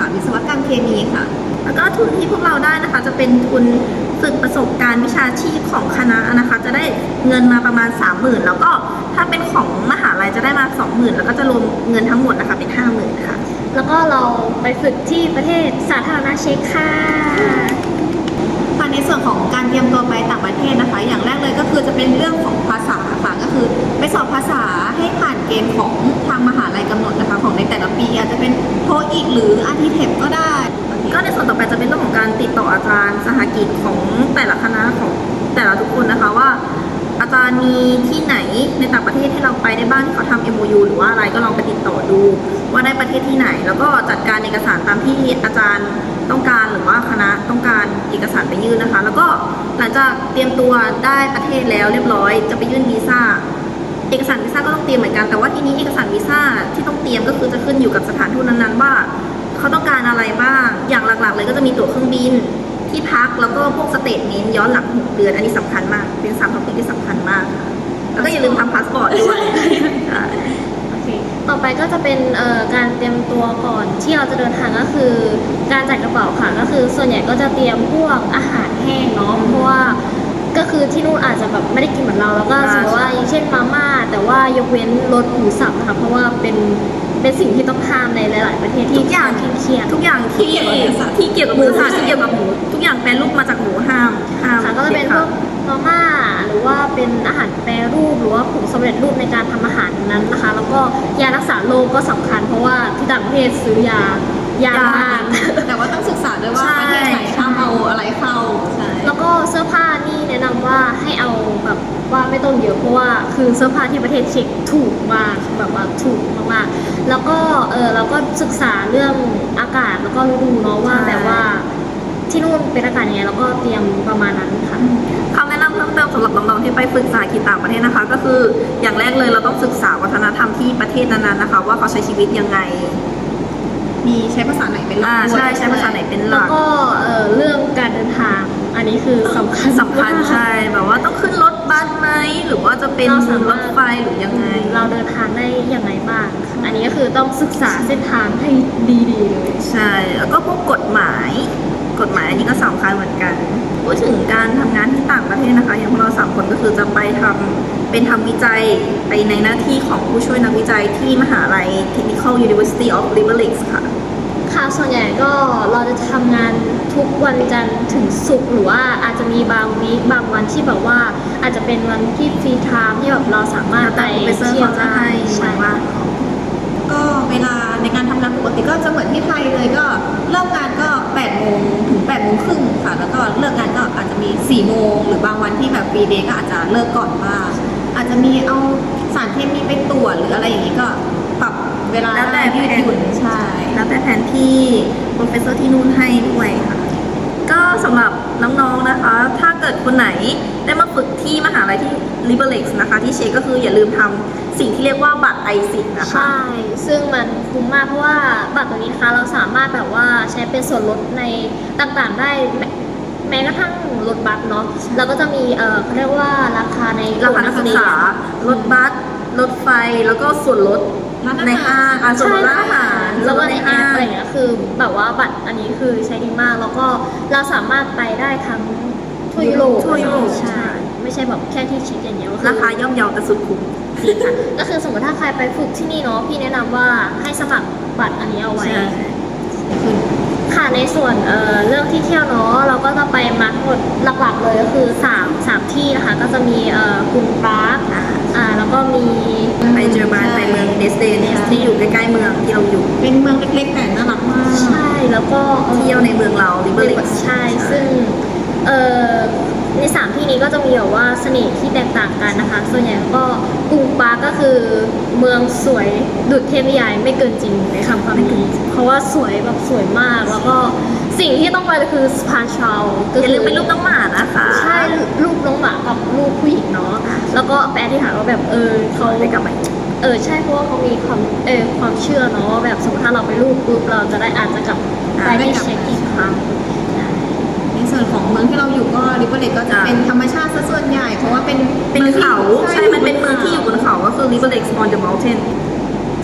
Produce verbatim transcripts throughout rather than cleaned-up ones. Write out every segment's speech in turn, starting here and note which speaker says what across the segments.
Speaker 1: วิศวกรรมเคมีค่ะ
Speaker 2: แล้วก็ทุนที่พวกเราได้นะคะจะเป็นทุนฝึกประสบการณ์วิชาชีพของคณะนะคะจะได้เงินมาประมาณ สามหมื่น แล้วก็ถ้าเป็นของมหาลัยจะได้มา สองหมื่น แล้วก็จะรวมเงินทั้งหมดนะคะเป็น ห้าหมื่น ค่ะ
Speaker 3: แล้วก็เราไปฝึกที่ประเทศสาธารณรัฐเช็กค่ะ
Speaker 1: ค่ะในส่วนของการเตรียมตัวไปต่างประเทศนะคะอย่างแรกเลยก็คือจะเป็นเรื่องของภาษาค่ะก็คือไปสอบภาษาให้ผ่านเกณฑ์ของทางมหาลัยกำหนดนะคะของในแต่ละปีอาจจะเป็นโทอีกหรืออาร์ทีเทปก็ได้
Speaker 2: ก็ในส่วนต่อไปจะเป็นเรื่องของการติดต่ออาจารย์สหกิจของแต่ละคณะของแต่ละทุกคนนะคะว่าอาจารย์มีที่ไหนในต่างประเทศที่เราไปได้บ้างที่เขาทำ เอ็ม โอ ยู หรือว่าอะไรก็ลองไปติดต่อดูว่าได้ประเทศที่ไหนแล้วก็จัดการเอกสารตามที่อาจารย์ต้องการหรือว่าคณะต้องการเอกสารไปยื่นนะคะแล้วก็หลังจากเตรียมตัวได้ประเทศแล้วเรียบร้อยจะไปยื่นวีซ่าเอกสารวีซ่าก็ต้องเตรียมเหมือนกันแต่ว่าทีนี้เอกสารวีซ่าที่ต้องเตรียมก็คือจะขึ้นอยู่กับสถานทูตนั้นๆว่าเขาต้องการอะไรบ้างอย่างหลักๆเลยก็จะมีตั๋วเครื่องบินที่พักแล้วก็พวกสเตทเมนต์ย้อนหลังหกเดือนอันนี้สำคัญมากเป็นสามท็อปิกที่สำคัญมากค่ะแล้วก็อย่าลืมทำพาสปอร์ตด้วย
Speaker 3: โอเคต่อไปก็จะเป็นการเตรียมตัวก่อนที่เราจะเดินทางก็คือการจัดกระเป๋าค่ะก็คือส่วนใหญ่ก็จะเตรียมพวกอาหารแห้งเนาะเพราะว่าก็คือที่นู่นอาจจะแบบไม่ได้กินเหมือนเราแล้วก็สมมติว่าอย่างเช่นมาม่าแต่ว่ายกเว้นรสหมูสับนะคะเพราะว่าเป็นเป็นสิ่งที่ต้องห้ามในหลายๆประเทศที่
Speaker 2: ทุกอย่าง
Speaker 3: เครียด
Speaker 2: ทุกอย่างที่ที่เกี่ยวกับหมูสัตว์ที่เกี่ยวกับหมูทุกอย่างแปรรูปมาจากหมูห้ามห้าม
Speaker 3: ค่ะก็จะเป็นพวกมาม่าหรือว่าเป็นอาหารแปรรูปหรือว่าผงสำเร็จรูปในการทำอาหารนั้นนะคะแล้วก็ยารักษาโรคก็สำคัญเพราะว่าที่ต่างประเทศซื้อยายามาก
Speaker 1: แต่ว่าต้องศึกษาด้วยว่าประเทศไหนห้ามเอาอะไรเข้าใช่
Speaker 3: แล้วก็เสื้อผ้านี่แนะนำว่าให้เอาแบบว่าไม่ต้องเยอะเพราะว่าคือเสื้อผ้าที่ประเทศเช็กถูกมากแบบว่าถูกมากๆแล้วก็เออเราก็ศึกษาเรื่องอากาศแล้วก็ฤดูเนาะว่าแบบว่าที่นู่นเป็นอากาศยังไงแล้วก็เตรียมประมาณนั้นค่ะ
Speaker 2: คำแนะนำเพิ่มเติมสำหรับน้องๆที่ไปฝึกสาหกิจต่างประเทศนะคะก็คืออย่างแรกเลยเราต้องศึกษาวัฒนธรรมที่ประเทศนั้นๆนะคะว่าเขาใช้ชีวิตยังไง
Speaker 1: มีใช้ภาษาไหนเป็นหลัก
Speaker 2: ใช่ใช้ภาษาไหนเป็นหลัก
Speaker 3: แล้วก็เรื่องการเดินทางอันนี้คือสำคัญ
Speaker 2: สำคัญใช่แบบว่าต้องขึ้นรถบัสไหมหรือว่าจะเป็นรถไฟหรือยังไง
Speaker 3: เราเดินทางได้ยังไงบ้างอันนี้ก็คือต้องศึกษาเส้นทางให้ดีๆเลย
Speaker 2: ใช่แล้วก็พวกกฎหมายกฎหมายอันนี้ก็สำคัญเหมือนกันพูดถึงการทำงานที่ต่างประเทศนะคะอย่างพวกเราสามคนก็คือจะไปทำเป็นทำวิจัยไปในหน้าที่ของผู้ช่วยนักวิจัยที่มหาลัย Technical University of Liberec ค่ะ
Speaker 3: ค่ะส่วนใหญ่ก็เราจะทำงานทุกวันจันทร์ถึงศุกร์หรือว่าอาจจะมีบางวีคบางวันที่แบบว่าอาจจะเป็นวันที่ฟรีไทม์ที่แบบเราสามารถไป
Speaker 2: เที่ยวได้ใช่ว่า
Speaker 1: ก็เวลาในการทำงานปกติก็จะเหมือนที่ไทยเลยก็เริ่มงานก็แปดโมงถึงแปดโมงครึ่งค่ะแล้วก็เลิกงานก็อาจจะมีสี่โมงหรือบางวันที่แบบฟรีเดย์ก็อาจจะเลิกก่อนบ้างอาจจะมีเอาสารเคมีไปตรวจหรืออะไรอย่างนี้ก็ปรับเวลา
Speaker 2: แล้วแต่
Speaker 1: ยืดหยุ่นใช่
Speaker 2: แล้วแต่แผนที่โปรเฟสเซอร์ที่นู่นให้ด้วยค่ะก็สำหรับน้องๆนะคะถ้าเกิดคนไหนได้มาฝึกที่มหาลัยที่ Liberec นะคะที่เชคก็คืออย่าลืมทำสิ่งที่เรียกว่าบัตรไอซินนะคะ
Speaker 3: ใช่ซึ่งมันคุ้มมากเพราะว่าบัตรตัวนี้นะคะเราสามารถแบบว่าใช้เป็นส่วนลดในต่างๆได้แม้กระทั่งรถบัสเนาะแล้วก็จะมีเออเขาเรียกว่าราคาใน
Speaker 2: ราคานักศึกษารถบัสรถไฟแล้วก็ส่วนลดในห้างส่วนลดร้านอาหาร
Speaker 3: แล้วก็ในแอปอะไรอย่างเงี้ยคือแบบว่าบัตรอันนี้คือใช้ดีมากแล้วก็เราสามารถไปได้ทั้งทั่วยุโรป
Speaker 2: ทั่วยุโรป
Speaker 3: ใช่ไม่ใช่แบบแค่ที่เช็คอย่างเดียว
Speaker 2: ราคาย่อมเยาแต่สุดคุ้ม
Speaker 3: จริงค่ะก็คือสมมติถ้าใครไปฝึกที่นี่เนาะพี่แนะนำว่าให้สมัครบัตรอันนี้เอาไว้ค่ะในส่วนเอ่อเรื่องที่เที่ยวเนาะเราก็จะไปมาทั้งหมดหลักๆเลยก็คือสาม สามที่นะคะก็จะมีเอ่อกรุงปรากอ่าแล้วก็มี
Speaker 2: ไปเจอร์มานไปเมืองเดสเดนที่อยู่ใกล้ๆเมืองที่เราอยู่
Speaker 1: เป็นเมืองเล็กๆแต่น่ารักมาก
Speaker 3: ใช่แล้วก็
Speaker 2: เที่ยวในเมืองเราลิเบอร์ลิก
Speaker 3: ใช่ซึ่งเอ่อในสามที่นี้ก็จะมีแบบว่าเสน่ห์ที่แตกต่างกันนะคะส่วนใหญ่ก็กรุงปรากก็คือเมืองสวยดุจเทพนิยายไม่เกินจริงในคำความนี้เพราะว่าสวยแบบสวยมากแล้วก็สิ่งที่ต้องไปก็คือสปาชาว
Speaker 2: อย่าลืมเป็นรูปน้องหมานะคะ
Speaker 3: ใช่รูปน้องหมากับรูปผู้หญิงเนาะแล้วก็แปลที่ถามว่าแบบเออเขา
Speaker 2: ไปกับไป
Speaker 3: เออใช่เพราะว่าเขามีความเออความเชื่อเนาะแบบสมมติถ้าเราไปรูปปุ๊บเราจะได้อาจจะกลับไปที่เช็คอีกครั้ง
Speaker 1: ในส่วนของเมืองที่เราอยู่ก็ริเบอร์เรกก็จะเป็นธรรมชาติซะส่วนใหญ่เพราะว่าเป็น
Speaker 2: เป็นเขาใช่มันเป็นเมืองที่อยู่บนเขาก็คือ Liberec on the mountain
Speaker 1: ใ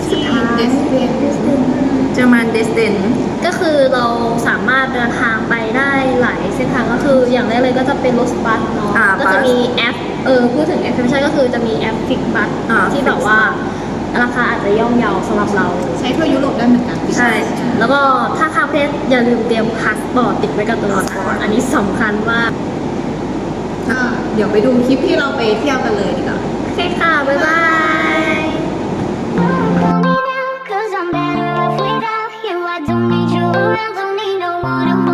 Speaker 1: ที่เดสเวน
Speaker 2: เจอร์มันเดสเดน
Speaker 3: ก็คือเราสามารถเดินทางไปได้หลายเส้นทางก็คืออย่างแรกเลยก็จะเป็นรถบัสเนาะ
Speaker 2: อ่า
Speaker 3: ก็จะ
Speaker 2: บัส
Speaker 3: มีแอปเออพูดถึงแอปพลิเคชันก็คือจะมีแอปฟิกบัส
Speaker 2: อ่า
Speaker 3: ที่แบบว่าราคาอาจจะย่อมเยาสำหรับเรา
Speaker 1: ใช้ทั่วยุโรปได้เหมือนกัน
Speaker 2: ใช่
Speaker 3: แล้วก็ถ้าข้ามประเทศอย่าลืมเตรียมพาสปอร์ตติดไว้กับตัวนะอันนี้สำคัญมาก
Speaker 1: ก็เดี๋ยวไปดูคลิปที่เราไปเที่ยวกันเลยดีกว่า
Speaker 3: โอเคค่ะ บ๊ายบาย
Speaker 4: Call me now, 'cause I'm better off without you. I don't need you around, don't need no one to hold